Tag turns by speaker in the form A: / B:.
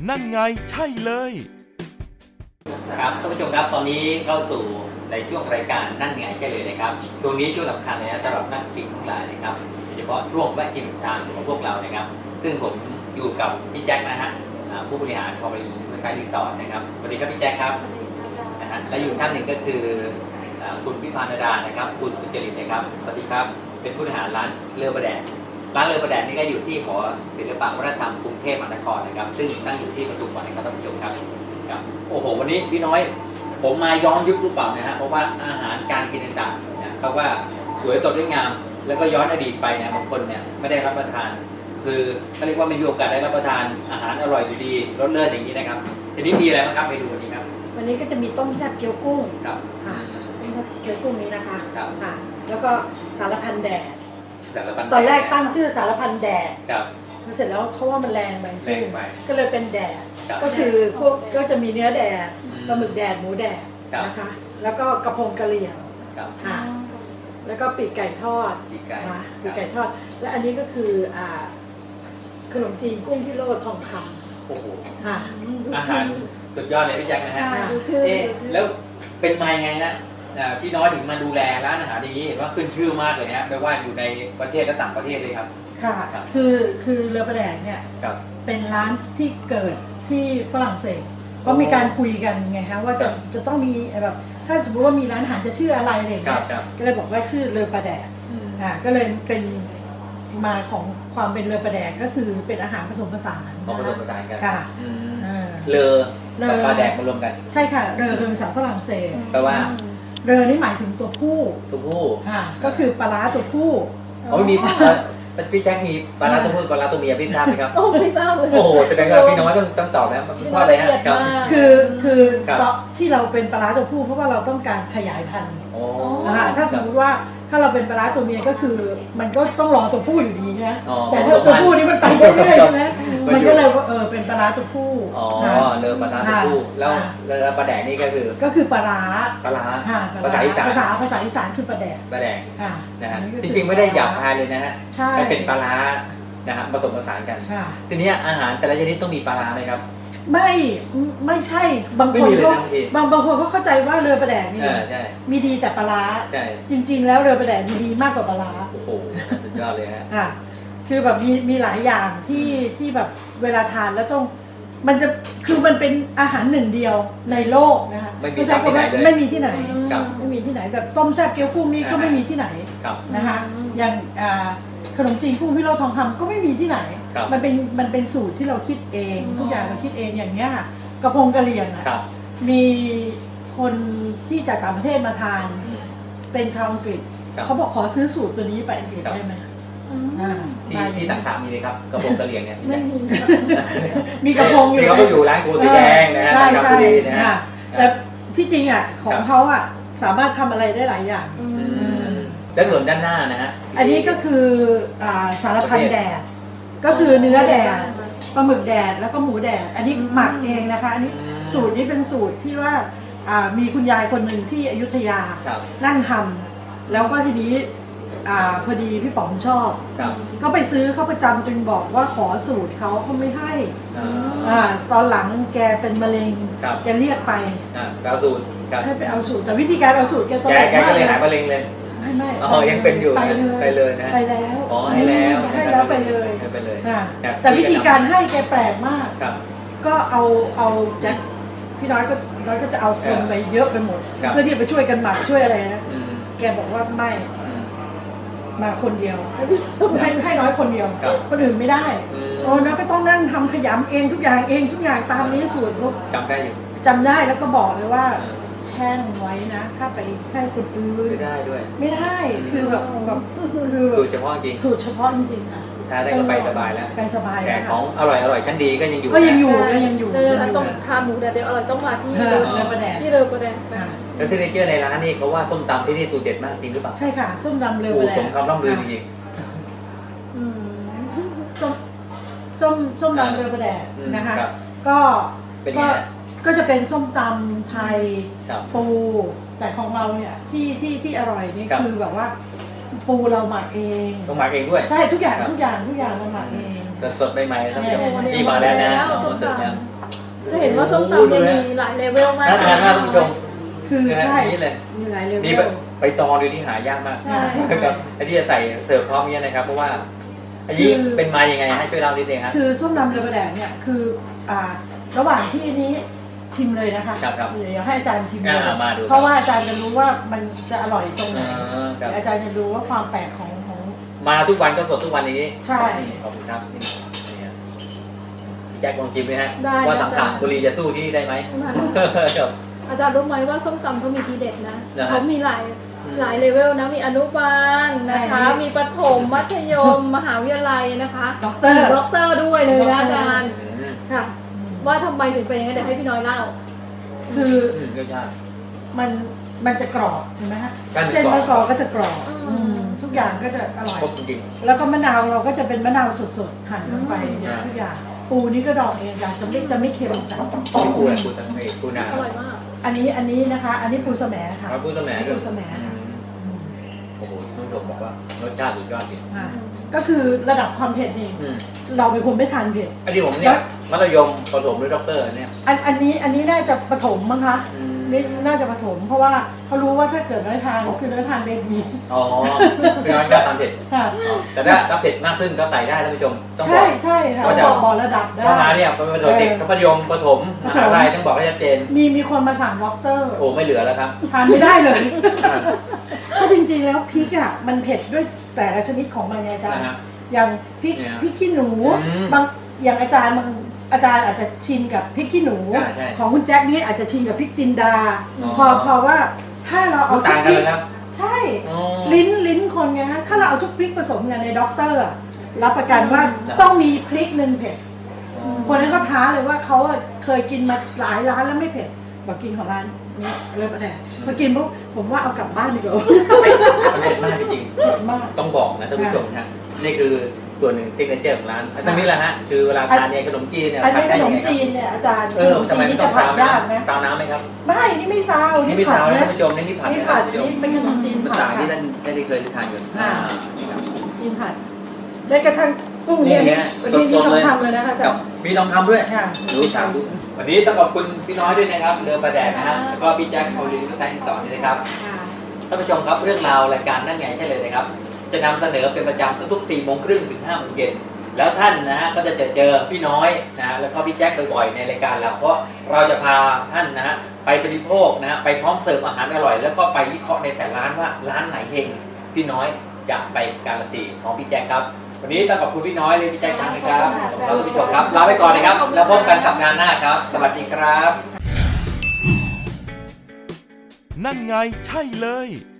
A: นั่นไงใช่เลย
B: ครับท่านผู้ชมครับตอนนี้เข้าสู่ในช่วงรายการนั่นไงใช่เลยนะครับช่วงนี้ช่วงสำคัญเลยนะสำหรับนักชิมทั้งหลายนะครับโดยเฉพาะช่วงแวะชิมทางของพวกเรานะครับซึ่งผมอยู่กับพี่แจ็คนะฮะผู้บริหารของบริษัทรีสอร์ทนะครับสวัสดีครับพี่แจ็คครับนะฮะและอยู่ท่านหนึ่งก็คือคุณพิพาดานะครับคุณสุจริตนะครับสวัสดีครับเป็นผู้บริหารร้านเรือประแดดร้านเรือประแดดนี่ก็อยู่ที่หอศิลปะวัฒนธรรมกรุงเทพมหานครนะครับซึ่งตั้งอยู่ที่ปทุมวันนะครับท่านผู้ชมครับโอ้โหวันนี้พี่น้อยผมมาย้อนยุคหรือเปล่านะฮะเพราะว่าอาหารการกินต่างๆเนี่ยเขาว่าสวยสดด้วยงามแล้วก็ย้อนอดีตไปเนี่ยบางคนเนี่ยไม่ได้รับประทานคือเขาเรียกว่าไม่มีโอกาสได้รับประทานอาหารอร่อยดีรสเลิศอย่างนี้นะครับทีนี้มีอะไรบ้างครับไปดูวันนี้ครับ
C: วันนี้ก็จะมีต้มแซ่บเกี๊ยวกุ้ง
B: ครับ
C: ค่ะต้มแซ่บเกี๊ยวกุ้งนี้นะคะ
B: ครับ
C: ค่ะแล้วก็สารพันแดด
B: สารพัน
C: ตอนแรกตั้งชื่อสารพันแดด
B: ครับ
C: เสร็จแล้วเขาว่ามันแรงไปชื่อก็เลยเป็นแดด
B: ครับ
C: ก็คือพวกก็จะมีเนื้อแดด
B: อืม
C: ปลาหมึกแดดหมูแดด
B: ครับ
C: นะคะแล้วก็กระพงกะเหรี่ยง
B: ครับ
C: ค่ะแล้วก็ปีกไก่ทอด
B: ปีกไก่
C: นะปีกไก่ทอด และอันนี้ก็คือขนมจีนกุ้งพิโรธทองค
B: โอ้โห
C: ำค่ะ
B: อาหารสุดยอดเลยพี่แจ็คนะฮะ
C: ค่ะ
B: เอ๊ะแล้วเป็นมายังไงฮะพี่น้อยถึงมาดูแลร้านอาหารอย่างนี้เห็นว่าขึ้นชื่อมากเลยนะไม่ว่าอยู่ในประเทศและต่างประเทศเลยครับ
C: ค่ะ
B: ครับ
C: คือเรือประแดงเนี่ย
B: ครับ
C: เป็นร้านที่เกิดที่ฝรั่งเศสก็มีการคุยกันไงฮะว่าจะต้องมีแบบถ้าสมมติว่ามีร้านอาหารจะชื่ออะไรอะไรอย่าง
B: ครั
C: เงี้
B: บ
C: ย
B: ครับ
C: ก็เลยบอกว่าชื่อเรือประแดก
B: อืม
C: ก็เลยเป็นมาของความเป็นเรือประแดกก็คือเป็นอาหารผสมผสาน
B: ผสมผสานกัน
C: ค่ะ
B: อืม
C: เออ
B: เลอ
C: เลอ
B: กับปลาแดกมารวมกัน
C: ใช่ค่ะเรือเป็นภาษาฝรั่งเศส
B: แปลว่า
C: เรือนี่หมายถึงตัวผู้
B: ตัวผู้
C: ค่ะก็คือปลาร้าตัวผู้
B: อ๋อมีพี่แจ็คมีปลาร้าตัวผู้ปลาร้าตัวเมียพี่ทราบไหมครับ
D: โอ้ไม่ทราบเลย
B: โอ้โหแสดงว่าพี่น้อยต้องตอบนะเพราะอะไรฮะครับ
C: คือ
B: ครับ
C: ที่เราเป็นปลาร้าตัวผู้เพราะว่าเราต้องการขยายพันธุ์
B: โอ้
C: ถ้าสมมติว่าถ้าเราเป็นปลาร้าตัวเมียก็คือมันก็ต้องรอตัวผู้อยู่ดีนะ
B: อ๋อ
C: แต่ถ้าตัวผู้นี่มันไปเรื่อยๆใช่ไหมมันก็เลยว่าเป็นปลาร้าตัวผู้
B: อ๋อ
C: ค่ะ
B: เลอปลาร้าตัวผู้แล้ว
C: ค่ะ
B: แล้วปลาแดกนี่ก็คือ
C: ก็คือปลาร้า
B: ปลาร้า
C: ค่ะ
B: ภาษาอีสาน
C: ภาษาอีสานคือปลาแดก
B: ปลาแดก
C: ค่ะ
B: นะฮะ
C: อันนี้ก็
B: จ
C: คือ
B: ริงๆไม่ได้หยาบคายเลยนะฮะ
C: ใช่
B: มันเป็นปลาร้านะฮะผสมผสานกัน
C: ค่ะ
B: ทีนี้อาหารแต่ละชนิดต้องมีปลาร้าไหมครับ
C: ไม่ใช่บาง
B: ไม่
C: คน
B: มีเลย
C: เขา
B: นะพี่
C: บางคนเขาเข้าใจว่าเรือปลาแดกนี่
B: ใช่
C: มีดีแต่ปลาร้า
B: ใช่
C: จริง ๆ แล้วเรือปลาแดกมีดีมากกว่าปลาร้า
B: โอ้โหสุดยอดเลยฮะ
C: ค่ะคือแบบมีหลายอย่างที่แบบเวลาทานแล้วต้องมันจะคือมันเป็นอาหารหนึ่งเดียวในโลกนะคะ
B: ไม่มี
C: ใช่
B: ที่ไหนเลย
C: ไม่มีที่ไหน
B: ครับ
C: ไม่มีที่ไหนแบบต้มแซ่บเกี๊ยวกุ้งนี่ก็ไม่มีที่ไหน
B: ครับ
C: นะคะอย่างขนมจีนกุ้งพิโรธทองคำก็ไม่มีที่ไหน
B: ครับ
C: มันเป็นสูตรที่เราคิดเองทุกอย่างเราคิดเองอย่างเงี้ยค่ะกระพงกะเหรี่ยงอะ
B: ครับ
C: มีคนที่จากต่างประเทศมาทาน
B: อืม
C: เป็นชาวอังกฤษ
B: ครับ
C: เขาบอกขอซื้อสูตรตัวนี้ไปอังกฤษ
B: ครับ
C: ได้ไหม
B: ที่สังขารมีเลยครับกระพงกระเหรี่ยงเนี่ย
D: ไม่มี
C: มีกระพงอยู่
B: นี่เขาก็อยู่ร้านโกสีแดงนะฮะ
C: ใช่
B: ครับ
C: ใช่
B: บุรีนะฮะ
C: ค่ะแต่ที่จริงอ่ะของเขาอ่ะสามารถทำอะไรได้หลายอย่าง
B: อืมแล้วส่วนด้านหน้านะฮะ
C: อันนี้ก็คือสารพันแดด ก็คือเนื้อแดดปลาหมึกแดดแล้วก็หมูแดด อันนี้หมักเองนะคะ อันนี้สูตรนี้เป็นสูตรที่ว่ามีคุณยายคนหนึ่งที่อยุธยา
B: ครับ
C: นั่งทำแล้วก็ทีนี้พอดีพี่ป๋อมชอบ
B: ครับ
C: ก็ไปซื้อเขาประจำจนบอกว่าขอสูตรเขาไม่ให้
B: อ่า
C: ตอนหลังแกเป็นมะเร็ง
B: ครับ
C: แกเรียกไป
B: ดาวสูตรครับ
C: ให้ไปเอาสูตรแต่วิธีการเอาสูตรแกตล
B: แก
C: กมาก
B: ก็เลยหายมะเร็งเลย
C: ไม่
B: อ๋อยังเป็นอยู่นะ
C: ไปเลย
B: นะ
C: ไปแล้ว
B: อ๋อให้แล้ว
C: ให้แล้วไปเลย
B: ให้ไปเลย
C: อ่ะ
B: ครับ
C: แต่วิธีการให้แกแปลกมาก
B: ครับ
C: ก็เอาแจ็คพี่น้อยก็จะเอาคนไปเยอะไปหมด
B: ครับ
C: เพื่อที่จะไปช่วยกันหมักช่วยอะไรนะ
B: อืม
C: แกบอกว่าไม่
B: อืม
C: มาคนเดียวให้น้อยคนเดียว
B: ครับ
C: คนอื่นไม่ได้
B: อืม
C: โอ้น้อยก็ต้องนั่งทำขยำเองทุกอย่างตามนี้สูตรก็
B: จำได้อยู่
C: จำได้แล้วก็บอกเลยว่า
B: อืม
C: แช่งไว้นะ ถ้าไปให้คนอื่น
B: ไม่ได้ด้วย
C: ไม่ได้คือแบบคือแบบ
B: สูตรเฉพาะจริง
C: สูตรเฉพาะจริงๆค่ะ
B: สุดท้ายได้ก็ไปสบายแล้ว
C: ไปสบาย
B: แต่
C: แล้ว
B: ของอร่อยชั้นดีก็ยังอยู่
C: ก็ยังอยู่
B: นะ
C: ก็ยังอยู่
D: เจอแล้วต้องทานหมูแดดเดียวอร่อยต้องมาที่
C: เรือประแดด
D: ที่เรือประแดด
C: ค่ะ
B: แล้วซิกเนเจอร์ในร้านนี่เขาว่าส้มตำที่นี่สูตรเด็ดมากจริงหรือเปล่า
C: ใช่ค่ะส้มตำเรือ
B: โอ้
C: ประแดด
B: สมคำร่ำลือจริง
C: อืมส้มตำเรือประแดด
B: อืม
C: นะคะ
B: ครับ
C: ก็
B: เป็นไงฮะ
C: ก็จะเป็นส้มตำไทย
B: ครับ
C: ปูแต่ของเราเนี่ยที่อร่อยนี่
B: ครับ
C: คือแบบว่าปูเราหมักเอง
B: ต้องหมักเองด้วย
C: ใช่ทุกอย่าง
B: ครับ
C: เราหมักเอง
B: สดๆใหม่ๆท่านผู้ชม
D: โอ้โห
B: ที่มาแล้วนะ
D: ส้
B: ผม
D: ม
B: เสิร์ฟ
D: ต
B: นะ
D: ำจะเห็นว่าส้มตำเนี่ยมีหลายเลเวลมาก
B: น่าทานมากท่านผู้ชม
C: คือใช่
B: นี่เลย
C: มีหลายเลเว
B: นี่
C: ล
B: ไปตองดูที่หายากมาก
D: ใช่
B: ครับไอ้ที่จะใส่เสิร์ฟพร้อมนี้นะครับเพราะว่าอันนี้เป็นมายังไงให้ช่วยเล่านิดนึงครับ
C: คือส้มตำเรือประแดงเนี่ยคือระหว่างที่นี้ชิมเลยนะคะ
B: ครับ
C: เดี๋ยวให้อาจารย์ชิมเลย
B: มาดู
C: เพราะว่าอาจารย์จะรู้ว่ามันจะอร่อยตรงไหน
B: ครับ
C: อาจารย์จะรู้ว่าความแปลกของ
B: มาทุกวันก็สดทุกวันนี้
C: ใช่
B: ขอบคุณครับนี่พี่แจ็คลองชิมไหมฮะ
D: ได้
B: ว่า
D: นะ
B: สังขารบุรีจะสู้ที่นี่ได้ไหมครับ
D: อาจารย์รู้ไหมว่าส้มตำเขามีทีเด็ดนะ
B: นะฮะ
D: เขามีหลายเลเวลนะมีอนุบาลนะคะ มีประถมมัธยม มหาวิทยาลัยนะคะ
C: ด็อกเตอร์
D: ด็อกเตอร์ด้วยเลยนะอาจารย์
B: อืม
D: ค่ะ ว่าทำไมถึงเป็นอย่างนั้นเดี๋ยวให้พี่น้อยเล่า
C: คือ
B: รสชาติ
C: มันจะกรอบเห็นไหมฮะ
B: ใช่มัน
C: เส้น
B: กรอบ
C: มะกอกก็จะกรอบ
D: อืม
C: ทุกอย่างก็จะอร่อย
B: ครบจริง
C: แล้วก็มะนาวเราก็จะเป็นมะนาวสดๆหั่นลงไป
B: อืม
C: เนี่ยทุกอย่างปูนี่ก็ดองเองจ้ะจะไม่เค็มจัด
B: ๆพี่ปูอะไรปูตังเมปูนา
D: อร่อยมาก
C: อันนี้นะคะ อันนี้ปูสะแหมค่ะ
B: ปูสะแหมด้วย
C: ปูสะแหม
B: อืม
C: อืม
B: โอ้โหท่านผู้ชมบอกว่ารสชาติสุดยอดจริง
C: อ่าก็คือระดับความเผ็ดนี่
B: อืม
C: เราเป็นคนไม่ทานเผ็ด
B: อันนี้ผมเนี่ยมัธยมผสมด้วยด็อกเตอร์เนี่ย
C: อันนี้น่าจะปฐมมั้งคะ
B: อืม
C: นี่น่าจะปฐมเพราะว่าเขารู้ว่าถ้าเกิดน้อยทานคือน้อยทานเบบี
B: อ๋อพี่น้อยก็ทำเผ็ด
C: ค่ะ
B: อ๋อแต่ถ้าเผ็ดมากขึ้นก็ใส่ได้ท่านผู้ชมต้องบ
C: ใช่
B: อก
C: ใช่ค่ะ
B: ว่าจะ
C: บอกระดับได้
B: ว่ามาเนี่ยเป็นประถมเด็กมัธยมประถมมหาลัยต้องบอกให้ชัดเจน
C: มีคนมาสั่งด็อกเตอร์
B: โอ้ไม่เหลือแล้วครับ
C: ทานไม่ได้เลย ก็จริงๆแล้วพริกอ่ะมันเผ็ดด้วยแต่ละชนิดของมันไงอาจารย์
B: นะฮะ
C: อย่างพริก
B: เนี่ย
C: พริกขี้หนู
B: อืม
C: บางอย่างอาจารย์อาจจะชินกับพริกขี้หนู
B: ใช่
C: ของคุณแจ็คนี่อาจจะชินกับพริกจินดา
B: อ๋อ
C: พอว่าถ้าเราเอา
B: ต่าง
C: พ
B: กัน
C: ริ
B: เลยครับ
C: ใช่
B: อ๋อ
C: ลิ้นคนไงฮะถ้าเราเอาทุกพริกผสมกันในด็อกเตอร์อะรับประกันว่า
B: ครับ
C: ต้องมีพริกหนึ่งเผ็ด คนนั้นก็ท้าเลยว่าเขาอะเคยกินมาหลายร้านแล้วไม่เผ็ดบอกกินของร้านนี้เลยประแดกพอกินปุ๊บผมว่าเอากลับบ้านดีกว่า
B: มันเผ็ดมากจริง
C: เผ็ดมาก
B: ๆต้องบอกนะท่านผู้ชมนะนี่คือส่วนหนึ่งซิกเนเจอร์ของร้านตรงนี้แหละฮะคือเวลาทานเนี่ยขนมจีนเนี่ย
C: อัน
B: ทาน
C: นี้ข
B: ได้
C: น
B: ยัง
C: ม
B: ไงครั
C: จี
B: บ
C: นเนี่ยอาจารย์
B: ทำไม
C: ขน
B: ไม่
C: จีน
B: ต้อ
C: นี่
B: ง
C: จะ
B: ซาว
C: ผัดยาก
B: น้ำ
C: นะ
B: ซาวน้ำไหมครับ
C: ไม่นี่ไม่ซาว
B: นี่ไม่ซาวนะ
C: นะ
B: ท่านผู้ชมนี่ผัด
C: นี่
B: นะ
C: ผั
B: ท่า
C: ด
B: นผู้ชม
C: นี่เป็นขนมจีน
B: ภา
C: ผัด
B: ษาที่
C: ค่ะ
B: ท่านได้เคยทานอยู่
C: อ่า
B: ครับ
C: จีนผัดแม้กระทั่งกุ้งเนี่ย
B: นี่ไง
C: วันนี้
B: สดๆ
C: ต้อง
B: เลย
C: ทำเลยนะคะอาจา
B: กั
C: ร
B: บ
C: ย์
B: มีลองทำด้วย
C: ค่ะ
B: รู้ถามดูวันนี้ต้องขอบคุณพี่น้อยด้วยนะครับเรือประแดดนะฮะแล้วก็พี่แจ็คโอลินก็ใช้สอนนี่นะครับ
C: ค่ะ
B: ท่านผู้ชมครับเรื่องราวรายการนั่นไงใช่เลยนะครับ จะนำเสนอเป็นประจำทุกๆ4 โมงครึ่งถึง5 โมงเย็นแล้วท่านนะฮะก็จะเจอพี่น้อยนะแล้วก็พี่แจ็คบ่อยๆในรายการเราเพราะเราจะพาท่านนะฮะไปบริโภคนะฮะไปพร้อมเสิร์ฟอาหารอร่อย แล้วก็ไปวิเคราะห์ในแต่ร้านว่าร้านไหนเฮงพี่น้อยจะไปการันตีของพี่แจ็คครับวันนี้ต้องขอบคุณพี่น้อยเลยพี่แจ็คนะครับแล้วท่านผู้ชมครับลาไปก่อนนะครับแล้วพบกันกับงานหน้าครับ สวัสดีครับ
A: นั่นไงใช่เลย